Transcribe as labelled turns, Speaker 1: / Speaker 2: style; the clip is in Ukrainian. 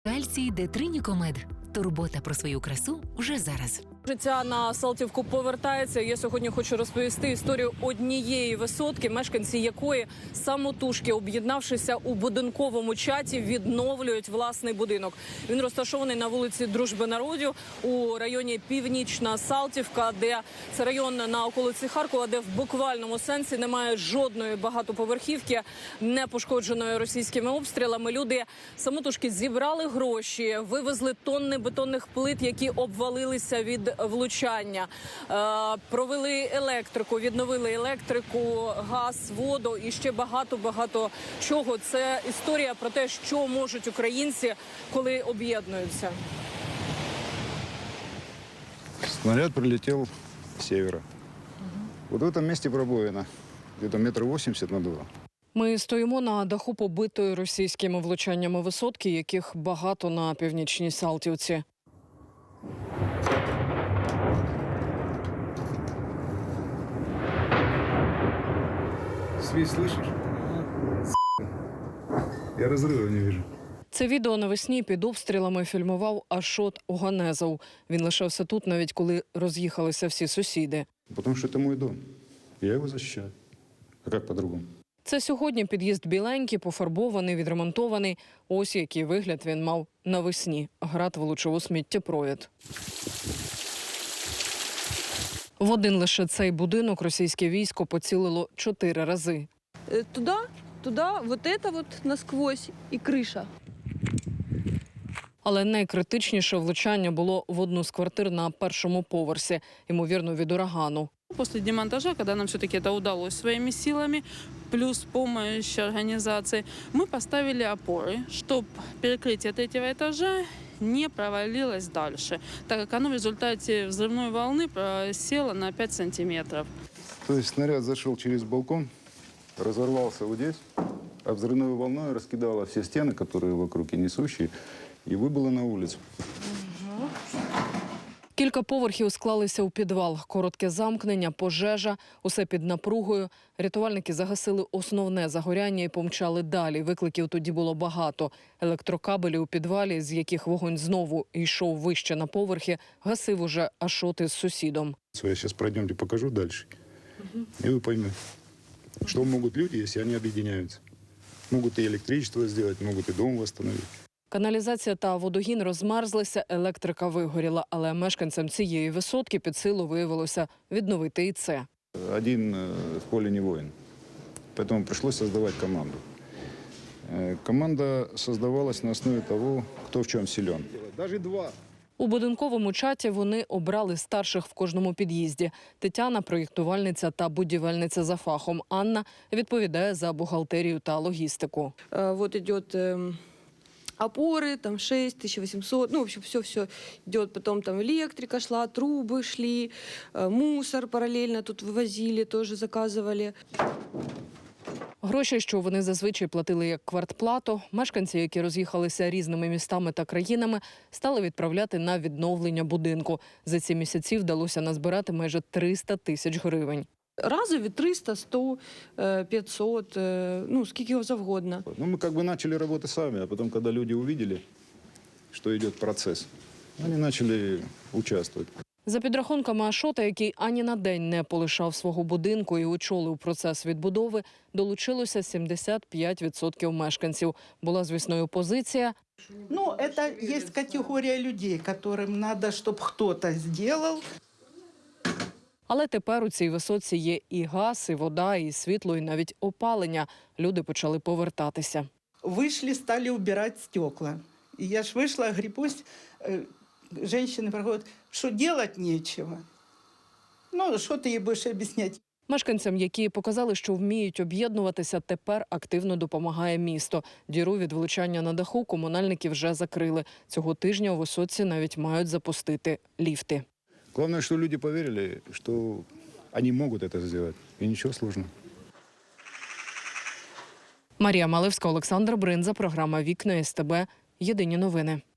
Speaker 1: Кальцій Детринікомед. Турбота про свою красу вже зараз.
Speaker 2: Життя на Салтівку повертається. Я сьогодні хочу розповісти історію однієї висотки, мешканці якої самотужки, об'єднавшися у будинковому чаті, відновлюють власний будинок. Він розташований на вулиці Дружби народів у районі Північна Салтівка, де це район на околиці Харкова, де в буквальному сенсі немає жодної багатоповерхівки, не пошкодженої російськими обстрілами. Люди самотужки зібрали гроші, вивезли тонни бетонних плит, які обвалилися від влучання, провели електрику, відновили електрику, газ, воду і ще багато чого. Це історія про те, що можуть українці, коли об'єднуються.
Speaker 3: Снаряд прилетел с севера. Вот в этом месте пробоина. Где-то 1,80 м на 2.
Speaker 2: Ми стоїмо на даху побитої російськими влучаннями висотки, яких багато на північній Салтівці.
Speaker 3: Свист слышишь? Я разрыва не вижу.
Speaker 2: Це відео навесні під обстрілами фільмував Ашот Оганезов. Він лишався тут, навіть коли роз'їхалися всі сусіди.
Speaker 3: Потому что это мой дом. Я его защищаю. А как по-другому?
Speaker 2: Це сьогодні під'їзд біленький, пофарбований, відремонтований. Ось який вигляд він мав навесні. Град влучив у сміттєпровід. В один лише цей будинок російське військо поцілило 4 рази.
Speaker 4: Туда, вот это вот насквозь и крыша.
Speaker 2: Але найкритичніше влучання було в одну з квартир на першому поверсі, ймовірно, від урагану.
Speaker 5: После демонтажа, когда нам все-таки это удалось своими силами, плюс помощь организации, мы поставили опоры, чтобы перекрытие 3-го этажа не провалилось дальше, так как оно в результате взрывной волны просело на 5 сантиметров.
Speaker 3: То есть снаряд зашел через балкон, разорвался вот здесь, а взрывной волной раскидало все стены, которые вокруг и несущие, и выбыло на улицу.
Speaker 2: Кілька поверхів склалися у підвал. Коротке замкнення, пожежа, усе під напругою. Рятувальники загасили основне загоряння і помчали далі. Викликів тоді було багато. Електрокабелі у підвалі, з яких вогонь знову йшов вище на поверхи, гасив уже Ашот із сусідом.
Speaker 3: Я сейчас пройдемте, покажу дальше, и вы поймете, что могут люди, если они объединяются. Могут и электричество сделать, могут и дом восстановить.
Speaker 2: Каналізація та водогін розмерзлися, електрика вигоріла, але мешканцям цієї висотки під силу виявилося відновити і це.
Speaker 3: Один в поле не воин, поэтому пришлось создавать команду. Команда создавалась на основе того, кто в чем силен. Даже 2.
Speaker 2: У будинковому чаті вони обрали старших в кожному під'їзді. Тетяна – проєктувальниця та будівельниця за фахом. Анна відповідає за бухгалтерію та логістику.
Speaker 4: Вот идет опоры, там 6, 1800, ну, в общем, все идет. Потом там электрика шла, трубы шли, мусор параллельно тут вывозили, тоже заказывали.
Speaker 2: Гроші, що вони зазвичай платили як квартплату, мешканці, які роз'їхалися різними містами та країнами, стали відправляти на відновлення будинку. За ці місяці вдалося назбирати майже 300 тисяч гривень.
Speaker 4: Разові 300, 100, 500, ну, скільки його завгодно.
Speaker 3: Ну, мы как бы начали работать сами, а потом, когда люди увидели, что идет процесс, они начали участвовать.
Speaker 2: За підрахунками Ашота, який ані на день не полишав свого будинку і очолив процес відбудови, долучилося 75% мешканців. Була, звісно, і опозиція.
Speaker 6: Ну, это есть категория людей, которым надо, чтобы кто-то сделал.
Speaker 2: Але тепер у цій висоці є і газ, і вода, і світло, і навіть опалення. Люди почали повертатися.
Speaker 6: Вышли, стали убирать стекла. И я ж вышла, говорю, пусть женщины проходят, что делать нечего. Ну, что ты ей будешь объяснять?
Speaker 2: Мешканцям, які показали, що вміють об'єднуватися, тепер активно допомагає місто. Діру від влучання на даху комунальники вже закрили. Цього тижня у висоці навіть мають запустити ліфти.
Speaker 3: Главное, что люди поверили, что они могут это сделать. И ничего сложного.
Speaker 2: Марія Малевська, Олександр Бринза, програма «Вікна СТБ». Єдині новини.